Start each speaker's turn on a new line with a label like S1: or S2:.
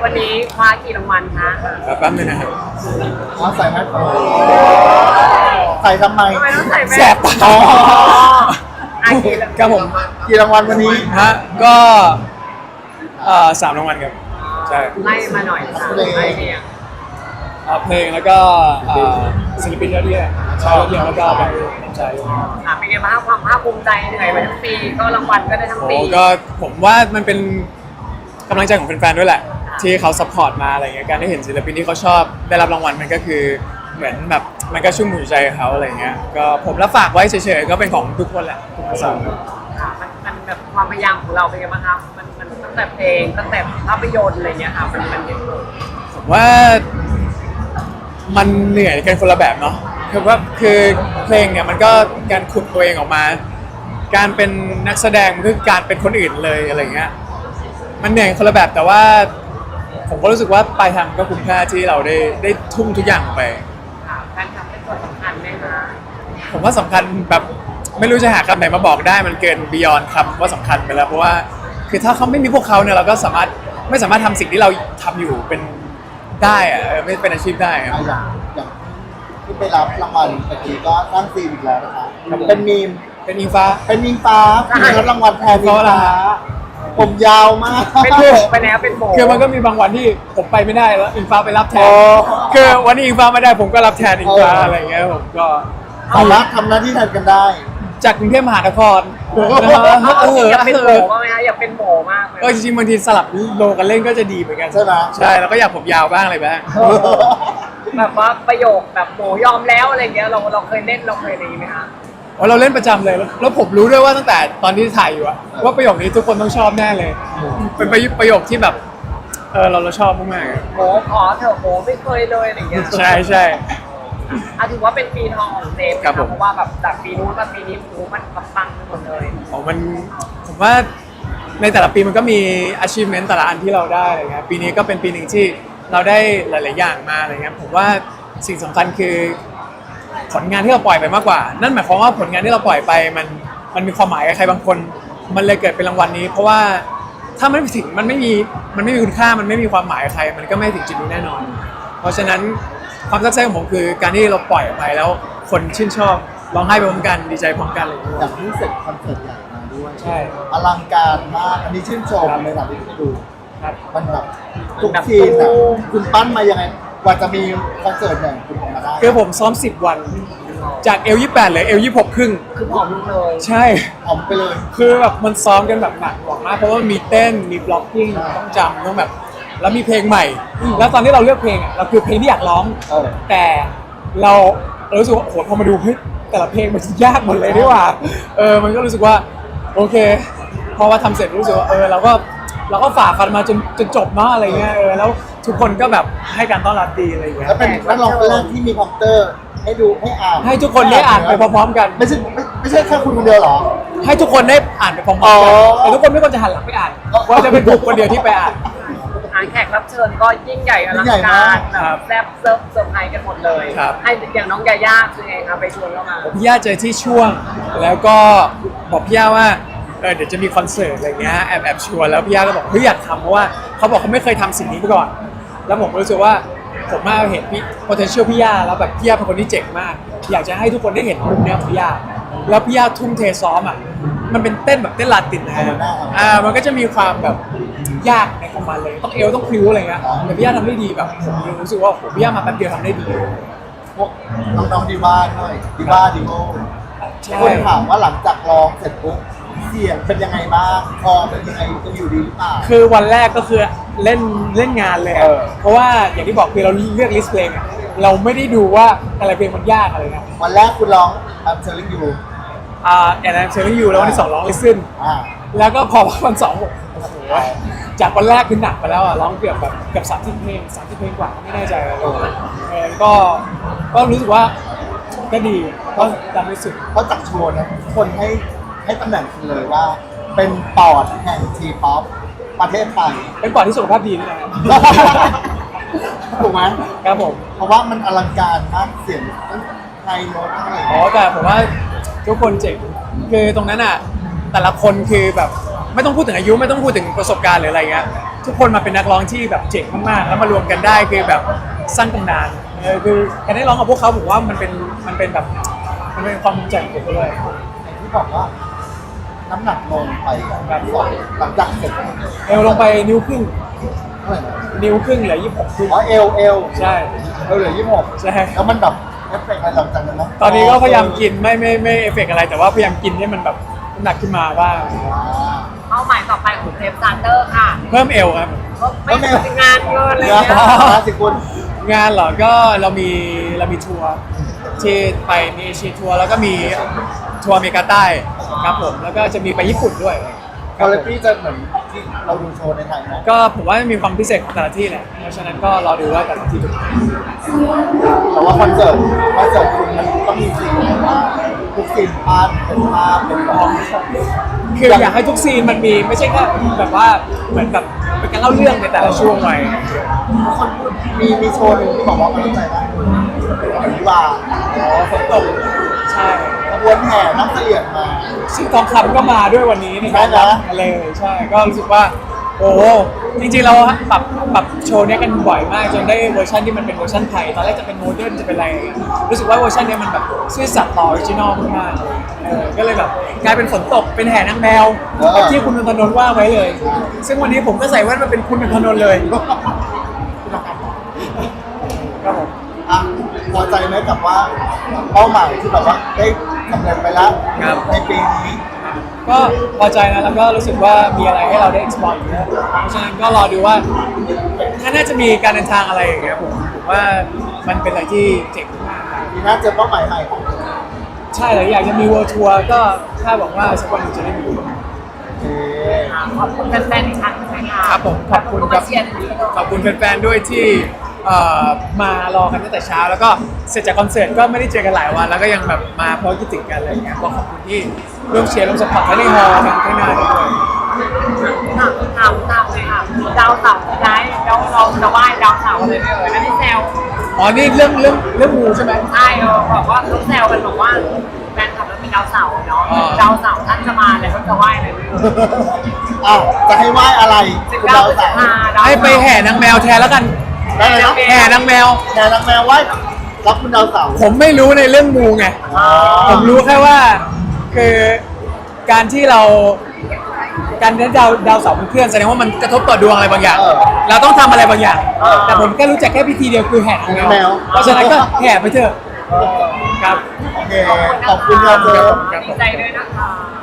S1: วันนี้คว้ากี่รางวัลคะ
S2: แป๊บนึงนะครับ
S3: อ๋อใส่แมสใส่ทำไม
S1: ทำไมต้องใส่แว่น
S2: แสบตา
S1: อ๋ออ่ะกี่รางวัล
S2: ครับผม
S3: กี่รางวัลวันนี้
S2: ฮะก็3 รางวัลครับใช่
S1: ไล่มาหน่อยค่ะไล่เรียง
S2: เพลงแล้วก็ศิลปินยอดเยี่ยมชายยอดเยี่ยมแล้วก็แบบใจ
S1: ค่ะเป็นไงบ้างความภาคภูมิใจเหนื่อยมาทั้งปีก็รางวัลก็ได้ทั้ง
S2: โอ้
S1: ปี
S2: ก็ผมว่ามันเป็นกำลังใจของแฟนๆด้วยแหละ ที่เขาซัพพอร์ตมาอะไรเงี้ยการได้เห็นศิลปินที่เขาชอบได้รับรางวัลมันก็คือเหมือนแบบมันก็ชุ่มหัวใจเขาอะไรเงี้ยก็ผมรับฝากไว้เฉยๆก็เป็นของทุกคนแหละทุกคน
S1: ค่ะมันแบบความพยายามของเราเป็นไงบ้างคะมันตั้งแต่เพลงตั้งแต่ภาพยนตร์อะไรเงี้ยค่ะมันเห็นผล
S2: ผมว่ามันเหนื่อยกันคนละแบบเนาะคือเพลงเนี่ยมันก็การขุดตัวเองออกมา การเป็นนักแสดงมันคือการเป็นคนอื่นเลยอะไรเงี้ยมันเหนื่อยคนละแบบแต่ว่าผมก็รู้สึกว่าปลายทางก็คุ้มค่าที่เราได้ทุ่มทุกอย่างไป
S1: ค่ะการทำเป็นส่วนสำคัญไหมคะ
S2: ผมว่าสำคัญแบบไม่รู้จะหาคำไหนมาบอกได้มันเกิน beyond คำว่าสำคัญไปแล้วเพราะว่าคือถ้าเขาไม่มีพวกเขาเนี่ยเราก็ไม่สามารถทำสิ่งที่เราทำอยู่เป็นได้อะไม่เป็นอาชีพได้ครับ
S3: อย่างที่ไปรับรางวัลเมื่อกี้ก็นั่งซีนอีกแล้วนะคะเป็นมีม
S2: เป็นอิงฟ้า
S3: เป็นมิงฟ้าที่รับรางวัลแทนมิงฟ้าผมยาวมาก
S1: เป็นโบไปแล้วเป็นโบ
S2: คือมันก็มีบางวันที่ผมไปไม่ได้แล้วอิงฟ้าไปรับแท
S3: โอ้
S2: นคือวันนี้อิงฟ้าไม่ได้ผมก็รับแทนอิงฟ้าอะไรเงี้ยผมก็
S3: สามารถทำหน้าที่แทนกันได้
S2: จากกรุงเทพมหานคร
S1: อยากเป็นโบบ้างไหมคะอยากเป็นโบมากเลย
S2: จริงๆบางทีสลับโลกันเล่นก็จะดีเหมือนกัน
S3: ใช่ไหม
S2: ใช่แล้วก็อยากผมยาวบ้างอะไรบ้าง
S1: แบบว่าประโยคแบบโบยอมแล้วอะไรเงี้ยเราเคยเล่นเราเคยอะไรอย่างงี้ไหมคะ
S2: เราเล่นประจำเลยแล้วผมรู้ด้วยว่าตั้งแต่ตอนที่ถ่ายอยู่อะว่าประโยคนี้ทุกคนต้องชอบแน่เลย เป็นประโยคที่แบบเราชอบมากๆอะ
S1: โบขอเถอะโบไม่เคยเลยอะไรเงี้ย
S2: ใช่ใช่
S1: ถือว่าเป็นปีทองของเซฟ
S2: ครับผม
S1: เพราะว่าแบบจากปีนู้นมาปีนี้โอ้มันปังไปหมดเลย
S2: ผมว่าในแต่ละปีมันก็มี achievement แต่ละอันที่เราได้อะไรเงี้ยปีนี้ก็เป็นปีหนึ่งที่เราได้หลาย ๆ อย่างมาอะไรเงี้ยผมว่าสิ่งสำคัญคือผลงานที่เราปล่อยไปมากกว่า นั่นหมายความว่าผลงานที่เราปล่อยไปมันมีความหมายกับใครบางคน มันเลยเกิดเป็นรางวัลนี้ เพราะว่าถ้ามันไม่ถึงมันไม่มีคุณค่ามันไม่มีความหมายกับใคร มันก็ไม่ถึงจุดนี้แน่นอน เพราะฉะนั้นความตั้งใจของผมคือการที่เราปล่อยออกไปแล้วคนชื่นชอบร้องไห้ไปพร้อมกันดีใจพร้อมกันเลย
S3: อย่างที่เสร็จคอนเสิร์ตใหญ่มาด้วย
S2: ใช่
S3: อลังการมากอันนี้ชื่นชมเลยนะที่ไปดู
S2: ครับ
S3: มันแบบทุกซีนอ่ะคุณปั้นมายังไงกว่าจะมีคอนเสิร์ตเนี่ยคุณออกมาได้
S2: คือผมซ้อม10 วัน จากL28เหลือL26ครึ่ง
S1: คือผอมลงเลย
S2: ใช่
S3: ออกไปเลย
S2: คือแบบมันซ้อมกันแบบหนักหน่วงมากเพราะว่ามีเต้นมีบล็อกกิ้งต้องจำต้องแบบแล้วมีเพลงใหม่ แล้วตอนที่เราเลือกเพลงอ่ะเราคือเพลงที่อยากร้อง แต่เรารู้สึกว่าโอ้โหพอมาดูเฮ้ยแต่ละเพลงมันยากหมดเลยนี่หว่ามันก็รู้สึกว่าโอเคพอว่าทำเสร็จรู้สึกว่าเราก็ฝ่าฟันมาจนจบเนาะอะไรเงี้ยแล้วทุกคนก็แบบให้การต้อนรับดีอะไรเงี้ย
S3: แล้วเป็นนักร้องคนแรกที่มีคอมพิวเตอร์ให้ดูให้อ่าน
S2: ให้ทุกคนได้อ่านไปพร้อมๆกัน
S3: ไม่ใช่แค่คุณคนเดียวเหรอ
S2: ให้ทุกคนได้อ่านไปพร้อมๆ
S3: อ๋
S2: กัน
S3: อ
S2: แต่ทุกคนไม่ควรจะหันหลังไปอ่านว่าจะเป็นผมคนเดียวที่ไปอ่าน
S1: แขกรับเชิญก็ยิ่งใหญ่อลังการแบบแซ่บเซิร์ฟไพรส์กันหมดเลย
S2: ครับ
S1: ให้อย่างน้องยาย่าคือไงคะไปชวนเข้ามา
S2: พี่ย่าเจอที่ช่วง แล้วก็บอกพี่ย่าว่าเดี๋ยวจะมีคอนเสิร์ตอะไรเงี้ยแอบชวนแล้วพี่ย่าก็บอกเฮ้ยอยากทำเพราะว่าเขาบอกเขาไม่เคยทำสิ่งนี้มาก่อน แล้วผมก็รู้สึกว่าผมมาเห็นพี่ potential พี่ย่าแล้วแบบพี่ย่าเป็นคนที่เจ๋งมาก อยากจะให้ทุกคนได้เห็นมุมเนี้ยของพี่ย่าแล้วพี่ย่าทุ่มเทซ้อมอ่ะมันเป็นเต้นแบบเต้นลาตินนะฮะมันก็จะมีความแบบยากในของมันเลยต้องต้องพลิ้วอะไรเงี้ยแต่พี่ย่าทำได้ดีแบบผมรู้สึกว่าโหพี่ย่ามาแป๊บเดียวทำได้ดี
S3: พวกน้องๆดีว่าด้วยดีว่าดีโก้
S2: ใช่
S3: คนถามว่าหลังจากร้องเสร็จปุ๊บเสียงเป็นยังไงบ้างคอเป็นยังไงจะอยู่ดีหรือเปล่า
S2: คือวันแรกก็คือเล่นงานเลยอะเพราะว่าอย่างที่บอกคือเราเลือกลิสต์เพลงอะเราไม่ได้ดูว่าอะไรเพลงมันยากอะไรนะ
S3: วันแรกคุณร้องเชอร์ลิงยู
S2: แอนเชอร์อยู่แล้ววันที่2ร้องลิซึน
S3: อ่า
S2: แล้วก็พอวัน2โอ้โหจากวันแรกคือหนักไปแล้วอะร้องเกือบ30 เพลง30 เพลงกว่าไม่แน่ใจเลยก็รู้สึกว่าก็ดีก็ทำได้สุด
S3: เพราะจากโชว์นะคนให้ตำแหน่งคุณเลยว่า เป็นปอดแห่งทีป๊อปประเทศไทย
S2: เป็นปอดที่สุขภาพดีด้วยนะครับ
S3: ถูกไหม
S2: ครับผม
S3: เพราะว่ามันอลังการมากเสียงทั้งไฮโน้ตทั้งอะไรอย่าง
S2: อ๋อ
S3: เงี้ย
S2: แต่ผมว่าทุกคนเจ๋งคือตรงนั้นอ่ะแต่ละคนคือแบบไม่ต้องพูดถึงอายุไม่ต้องพูดถึงประสบการณ์หรืออะไรเงี้ยทุกคนมาเป็นนักร้องที่แบบเจ๋งมากๆแล้วมารวมกันได้คือแบบสร้างตำนานคือการได้ร้องกับพวกเขาผมว่ามันเป็นแบบมันเป็นความภูมิใจของผมด้วย
S3: อย่างที่บอกว่าน้ำหนักลงไปแบบสองหลังจากเสร็จ
S2: เอวลงไปนิ้วครึ่ง
S3: เท่าไหร่นะ
S2: นิ้วครึ่งเหลือ26ครึ่ง
S3: อ๋อเอว
S2: ใช่
S3: เหลือ26
S2: ใช่
S3: แล้วมันแบบเอฟเฟกต์อะไรหลังจากนั้นไหม
S2: ตอนนี้ก็พยายามกินไม่เอฟเฟกต์อะไรแต่ว่าพยายามกินให้มันแบบน้ำหนักขึ้นมาบ้าง
S1: เป้าหมายต่อไปของเทปซานเตอร์ค่ะ
S2: เพิ่มเอวครับ
S1: ไม่เป็นงานเงินอะไร
S3: เนื้อ
S1: เงี้ย
S3: สิคุณ
S2: งานเหรอก็เรามีทัวร์ที่ไปมีเอเชียทัวร์แล้วก็มีทัวร์อเมริกาใต้ครับผมแล้วก็จะมีไปญี่ปุ่นด้วยค
S3: คา
S2: รับ
S3: แร
S2: ผม
S3: คตี้จะเหมือนที่เราดูโชว์ในไทยไหม
S2: ก็ผมว่ามีความพิเศษของแต่ละที่แหละเพราะฉะนั้นก็รอดูว่าแต่ละที่จะเป็นยังไง
S3: แต่ว่าคอนเสิร์ตคุณมันต้องมีซีนแบบว่าทุกซีนพาร์ทเป็นภาพเป็นแบบ
S2: คืออยากให้ทุกซีนมันมีไม่ใช่แค่แบบว่าเหมือนแบบเป็นการเล่าเรื่องในแต่ละช่วงไว้
S3: คนพูดมีโชว์หนึ่งที่บอกว่ามันต้องใจนะวิวาฝนตก
S2: ใช่
S3: ขบวนแห่น้ำเสลี่ยงมา
S2: ซึ่งทองคำก็มาด้วยวันนี้ในการรับเลยใช่ก็รู้สึกว่าโอ้โหจริงๆเราปรับโชว์เนี้ยกันบ่อยมากจนได้เวอร์ชันที่มันเป็นเวอร์ชันไทยตอนแรกจะเป็นโมเดิร์นจะเป็นอะไรอย่างเงี้ยรู้สึกว่าเวอร์ชันเนี้ยมันแบบซื่อสัตย์ต่อออริจินอลมากๆก็เลยแบบกลายเป็นฝนตกเป็นแห่นางแมวที่คุณนนทนนท์ว่าไว้เลย ซึ่งวันนี้ผมก็ใส่แว่นมาเป็นคุณนนทนนท์เลยครับผม
S3: อ่ะพอใจไหมกับว่าเป้าหมายที่แบบว่าได้สำเร็จไปแล้วในปีนี้
S2: ก็พอใจนะแล้วก็รู้สึกว่ามีอะไรให้เราได้ explore อยู่เยอะเพราะฉะนั้นก็รอดูว่าถ้าน่าจะมีการเดินทางอะไรอย่างเงี้ยผมว่ามันเป็นอะไรที่เจ๋งมาก
S3: ปีหน้าเจอเป้าหมายใหม่
S2: ใช่เลยอยากจะมี world tour ก็ถ้าบอกว่าสักวันหนึงจะได้มี
S1: ขอบคุณแฟนๆอีกครั้งหนึงค่ะ
S2: ครับผมขอบคุณครับ
S1: เชียร์ถึงนี้ด้วย
S2: ขอบคุณแฟนๆด้วยที่มารอกันตั้งแต่เช้า แล้วก็เสร็จจากคอนเสิร์ตก็ไม่ได้เจอกันหลายวัน แล้วก็ยังแบบมาเพราะคิดถึงกันอะไรอย่างเงี้ยก็ขอบคุณที่ร่วมเชียร์ร่วมสปอร์ตทั้งในฮอลล์ทั้งข้างหน้าด้วย
S1: ถามเลยค่ะดาวเสาร์ย้ายแล้วเราจะไหว้ดาวเสาร์เลยไม่เอ่ยอันนี้แซว
S2: อ๋อนี่เรื่องงูใช่ไหม
S1: ใช่บอกว่าเขาแซวกันบอกว่าแฟนคลับแล้วมีดาวเสาร์เนาะ
S2: อ๋อ
S1: ดาวเสาร์ท่านจะมาเลยเขาจะไหว้เลยไม่เอ่ย
S3: อ้าวจะให้ไหว้อะไรคุณดาวสาว
S2: ให้ไปแห่นางแมวแทนแล้วกัน
S3: ได้เลยนะ
S2: แห่นางแมว
S3: แห่นางแมวไหว้รับคุณดาวสาว
S2: ผมไม่รู้ในเรื่องงูไง ผมรู้แค่ว่าคือการที่เราการที่ดาวเสาร์มันเคลื่อนแสดงว่ามันกระทบต่อดวงอะไรบางอย่าง เราต้องทำอะไรบางอย่าง แต่ผมแค่รู้จักแค่พิธีเดียวคือแห่นางแมวเพราะฉะนั้นก็แห่ไปเถอะครับ
S3: โอเคขอบคุณครับเจอ
S1: ดีใจด้วยนะคะ